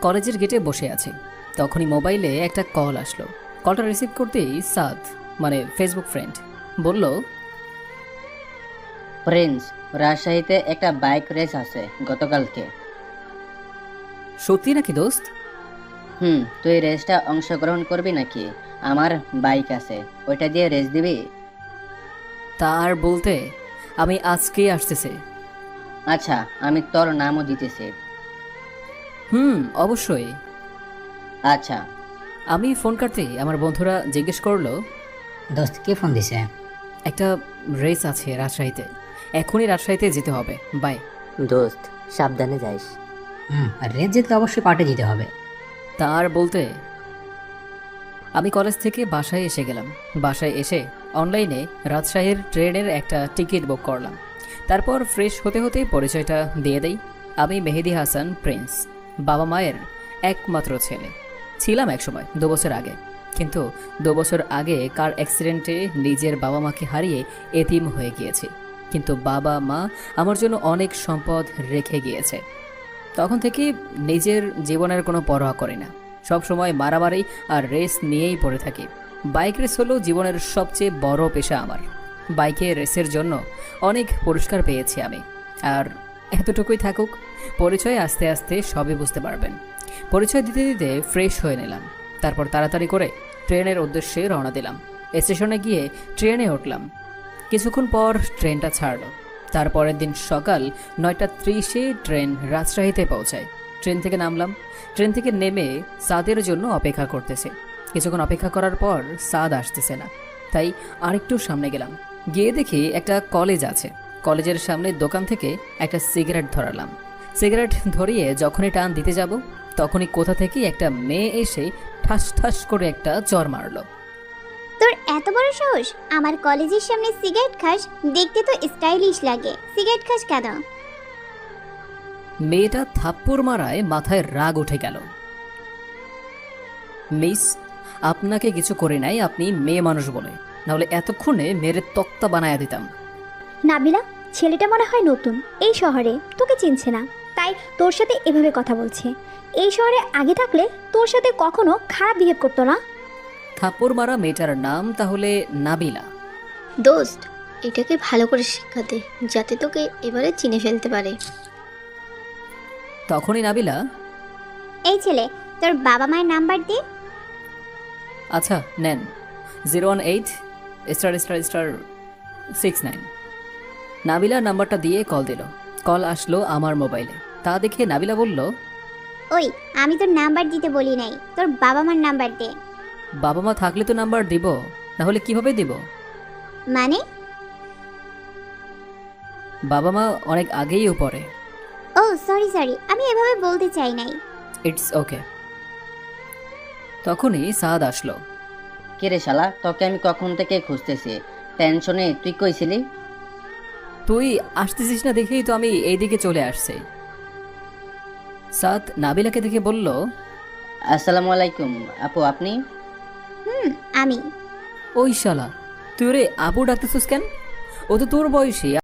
কলেজের গেটে বসে আছি, তখনই মোবাইলে একটা কল আসলো। কলটা রিসিভ করতেই সাদ, মানে ফেসবুক ফ্রেন্ড, বলল, প্রিন্স, রাজশাহীতে একটা বাইক রেস আছে গতকালকে। সত্যি নাকি দোস্ত? তুই রেসটা অংশগ্রহণ করবি নাকি? আমার বাইক আছে, ওইটা দিয়ে রেস দিবি? তার বলতে আমি আজকেই আসতেছে। আচ্ছা, আমি তোর নামও দিতেছি। অবশ্যই। আচ্ছা। আমি ফোন কাটতেই আমার বন্ধুরা জিজ্ঞেস করলো, দোস্ত কে ফোন দিছে? একটা রেস আছে রাজশাহীতে, এখনই রাজশাহীতে যেতে হবে, বাই। দোস্ত, সাবধানে যাইস। রেড জিতলে অবশ্যই পার্টি দিতে হবে। তার বলতে আমি কলেজ থেকে বাসায় এসে গেলাম। বাসায় এসে অনলাইনে রাজশাহীর ট্রেনের একটা টিকিট বুক করলাম। তারপর ফ্রেশ হতে হতে পরিচয়টা দিয়ে দেই। আমি মেহেদি হাসান প্রিন্স, বাবা মায়ের একমাত্র ছেলে। ছিলাম একসময় 2 বছর আগে, কিন্তু 2 বছর আগে কার অ্যাক্সিডেন্টে নিজের বাবা মাকে হারিয়ে এতিম হয়ে গিয়েছি। কিন্তু বাবা মা আমার জন্য অনেক সম্পদ রেখে গিয়েছে। তখন থেকে নিজের জীবনের কোনো পরোয়া করি না, সব সময় মারামারি আর রেস নিয়েই পড়ে থাকি। বাইক রেস হলো জীবনের সবচেয়ে বড় পেশা আমার। বাইকে রেসের জন্য অনেক পুরস্কার পেয়েছি আমি। আর এতটুকুই থাকুক, পরিচয় আস্তে আস্তে সবই বুঝতে পারবেন। পরিচয় দিতে দিতে ফ্রেশ হয়ে নিলাম। তারপর তাড়াতাড়ি করে ট্রেনের উদ্দেশ্যে রওনা দিলাম। স্টেশনে গিয়ে ট্রেনে উঠলাম। কিছুক্ষণ পর ট্রেনটা ছাড়লো। তারপরের দিন সকাল 9:30-এ ট্রেন রাজশাহীতে পৌঁছায়। ট্রেন থেকে নামলাম। ট্রেন থেকে নেমে সাদের জন্য অপেক্ষা করতেছে। কিছুক্ষণ অপেক্ষা করার পর সাদ আসতেছে না, তাই আরেকটু সামনে গেলাম। গিয়ে দেখি একটা কলেজ আছে। কলেজের সামনে দোকান থেকে একটা সিগারেট ধরালাম। সিগারেট ধরিয়ে যখনই টান দিতে যাব, তখনই কোথা থেকে একটা মেয়ে এসে ঠাস ঠাস করে একটা চর মারলো। তোর এত বড় সাহস, আমার কলেজের সামনে সিগারেট খাস? দেখতে তো স্টাইলিশ লাগে, সিগারেট খাস কেন? মেয়েটা থাপ্পড় মারায় মাথায় রাগ উঠে গেল। মিস, আপনাকে কিছু করে নাই, আপনি মেয়ে মানুষ বলে, নাহলে এতক্ষণে মেরে তক্তা বানায়া দিতাম। নাবিলা, ছেলেটা মনে হয় নতুন এই শহরে, তোকে চিনছে না, তাই তোর সাথে এভাবে কথা বলছে। এই শহরে আগে থাকলে তোর সাথে কখনো খারাপ বিহেভ করতো না। থাপ্পড় মারা মেয়েটার নাম তাহলে নাবিলা। দোস্ত, এটাকে ভালো করে শেখাতে, যাতে তোকে এবারে চিনে ফেলতে পারে। তখনই নাবিলা, এই ছেলে, তোর বাবা মায়ের নাম্বার দে। আচ্ছা নেন, 018***69। নাবিলার নাম্বারটা দিয়ে কল দিল। কল আসলো আমার মোবাইলে। তা দেখে নাবিলা বলল, ওই, আমি তোর নাম্বার দিতে বলি নাই, তোর বাবা মার নাম্বার দে। বাবা মা থাকলে তো নাম্বার দিব, না হলে কিভাবে দিব? মানে? বাবা মা অনেক আগেই উপরে। ও সরি সরি, আমি এভাবে বলতে চাই নাই। It's okay. তখনই সাদ আসলো। কিরে শালা, তোকে আমি কখন থেকে খুঁজতেছি, টেনশনে তুই কইছিলি? তুই আসতেছিস না দেখেই তো আমি এইদিকে চলে আসছি। সাদ নাবিলাকে দেখে বলল, আসসালামু আলাইকুম আপু, আপনি? আমি। ওই শালা, তুই রে আপু ডাকতেছিস কেন? ও তো তোর বয়সী।